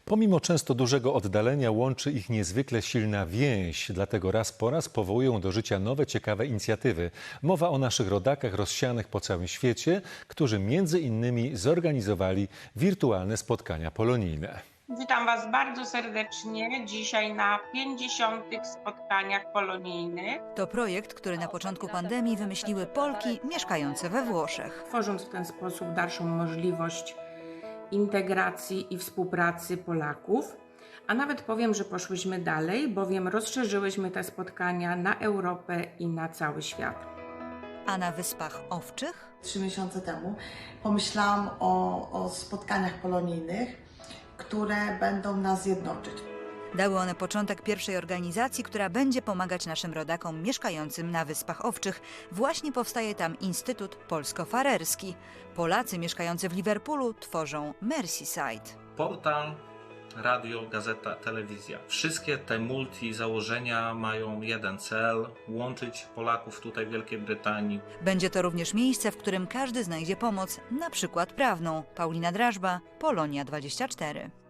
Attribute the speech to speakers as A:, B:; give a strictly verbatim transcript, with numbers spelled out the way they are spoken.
A: Pomimo często dużego oddalenia łączy ich niezwykle silna więź, dlatego raz po raz powołują do życia nowe, ciekawe inicjatywy. Mowa o naszych rodakach rozsianych po całym świecie, którzy między innymi zorganizowali wirtualne spotkania polonijne.
B: Witam Was bardzo serdecznie dzisiaj na pięćdziesiątych spotkaniach polonijnych.
C: To projekt, który na początku pandemii wymyśliły Polki mieszkające we Włoszech.
B: Tworząc w ten sposób dalszą możliwość integracji i współpracy Polaków. A nawet powiem, że poszłyśmy dalej, bowiem rozszerzyłyśmy te spotkania na Europę i na cały świat.
C: A na Wyspach Owczych?
D: Trzy miesiące temu pomyślałam o, o spotkaniach polonijnych, które będą nas jednoczyć.
C: Dały one początek pierwszej organizacji, która będzie pomagać naszym rodakom mieszkającym na Wyspach Owczych. Właśnie powstaje tam Instytut Polsko-Farerski. Polacy mieszkający w Liverpoolu tworzą Merseyside.
E: Portal, radio, gazeta, telewizja. Wszystkie te multi założenia mają jeden cel: łączyć Polaków tutaj w Wielkiej Brytanii.
C: Będzie to również miejsce, w którym każdy znajdzie pomoc, na przykład prawną. Paulina Drażba, Polonia dwadzieścia cztery.